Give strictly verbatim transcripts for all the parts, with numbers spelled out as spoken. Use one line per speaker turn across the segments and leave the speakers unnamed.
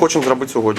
хочемо зробити сьогодні.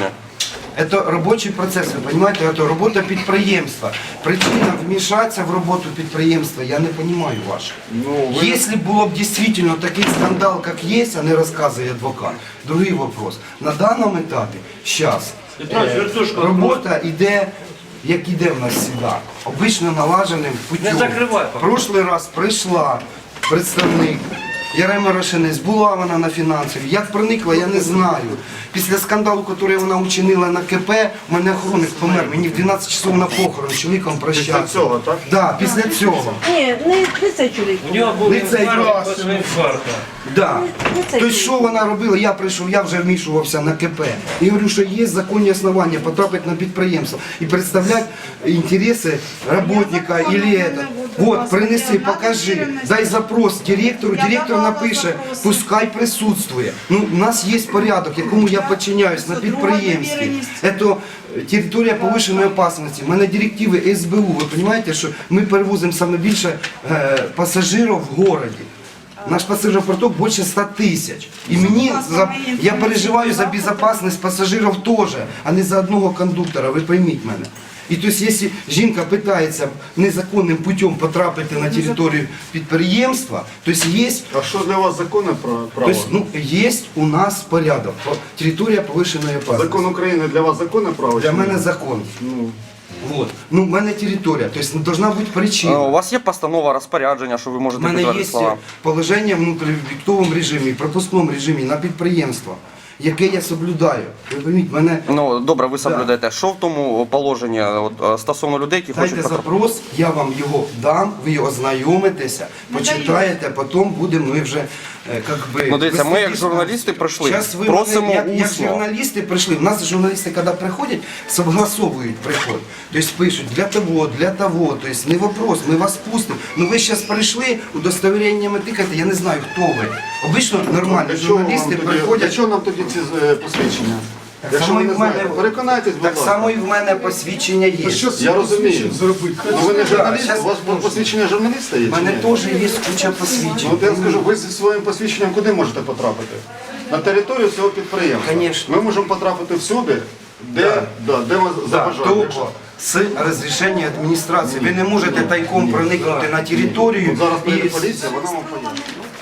Это рабочий процесс, вы понимаете, это работа підприємства. Причина вмешаться в работу підприємства, я не понимаю вашу.
Ну, вы...
Если было бы действительно такой скандал, как есть, а не рассказывает адвокат, другой вопрос. На данном этапе, сейчас, е, робота йде, як іде в нас завжди, обично налаженим путем. В прошлый раз прийшла представник Ярема Рашинець, була вона на фінансовій. Як проникла, я не знаю. Після скандалу, який вона учинила на КП, у мене охоронник помер. Мені в дванадцять часов на похорон з чоловіком прощався.
Після цього, так?
Так, після цього.
Ні, не, не цей чоловік.
У нього був
Не цей
інфаркт після інфаркту.
Да.
Не цей
Тобто, що вона робила? Я прийшов, я вже вмішувався на КП. І говорю, що є законні основання потрапити на підприємство і представляти інтереси роботника или это. Вот, принеси, покажи, дай запрос директору, директор напише, пускай присутствує. Ну, у нас є порядок, якому я підчиняюсь на підприємстві. Це територія повищеної опасності. У мене директиви ес бе у. Ви розумієте, що ми перевозимо саме більше е, пасажирів в місті. Наш пассажиропоток більше ста тисяч. І мені, за, я переживаю за безпечність пасажирів теж, а не за одного кондуктора, ви пойміть мене. І тобто, якщо жінка питається незаконним путем потрапити на територію підприємства, то є...
А що для вас законне право?
Тобто, ну, є у нас порядок, територія повищеної опасності.
Закон України для вас законне право?
Для
чи ні?
мене закон.
Ну,
Вот. Ну, в мене територія, тобто должна бути причина.
У вас є постанова, розпорядження, що ви
У
можете
мене
підтвердити
є
слова?
положення в внутрішньовіктовому режимі, пропускному режимі на підприємство, яке я соблюдаю. Ви розумієте, мене...
Ну, добре, ви соблюдаєте. Що в тому положенні от, е, стосовно людей, які
Дайте
хочуть потрапити?
запрос, я вам його дам, ви його ознайомитеся, почитаєте, потім будемо ми вже, е, как би...
Ну, дивіться, ми
вести
як
дискусію.
журналісти прийшли,
Щас ви
просимо
мене, як, як
усно.
журналісти прийшли, у нас журналісти, коли приходять, согласовують приход. Тобто пишуть для того, для того, тобто не вопрос, ми вас пустимо. Ну ви зараз прийшли, удостовереннями тикаєте, я не знаю, хто ви. Обично нормальні
для чого вам
журналісти
тоді, для
приходять.
чого нам тоді ці е, посвідчення?
Так
Якщо
само
ви
і
не
в мене,
знаєте, переконайтесь, будь
так
ласка.
само і в мене посвідчення є.
Я розумію. Ну ви не журналіст,
щас-
у вас посвідчення журналіста є?
У
чи
мене
ні?
теж є куча посвідчень.
Ну, от я скажу, ви зі своїм посвідченням куди можете потрапити? На територію цього підприємства.
Конечно.
Ми можемо потрапити всюди, де,
Да.
да, де ми
Да,
забажаємо.
тільки з розрішення адміністрації. Ви не можете тайком проникнути на територію.
От зараз прийде
і-
поліція, вона вам пояснить.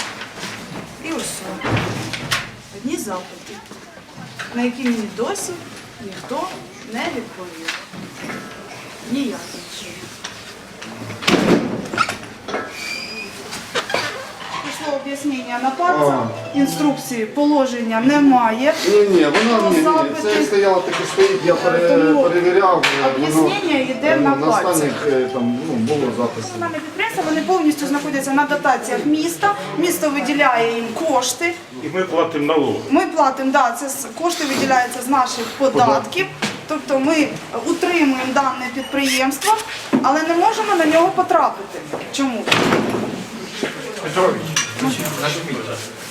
І ось одні запити, на які мені досі ніхто не відповів. Ніяким чином. Пішло об'яснення на пальцях, інструкції, положення немає.
Ні, ні, вона
Про
ні, ні, ні.
запити.
Це стояло таке стоїть, я пере,
Тому
перевіряв. е, воно,
об'яснення йде
е,
на
на останніх
пальцях.
е, там, ну, було записано.
Комунальні підприємства, вони повністю знаходяться на дотаціях міста. Місто виділяє їм кошти.
І ми платимо налоги.
Ми платимо, да, це з- кошти виділяються з наших податків. Тобто ми утримуємо дане підприємство, але не можемо на нього потрапити. Чому?
Петрович, нажміть.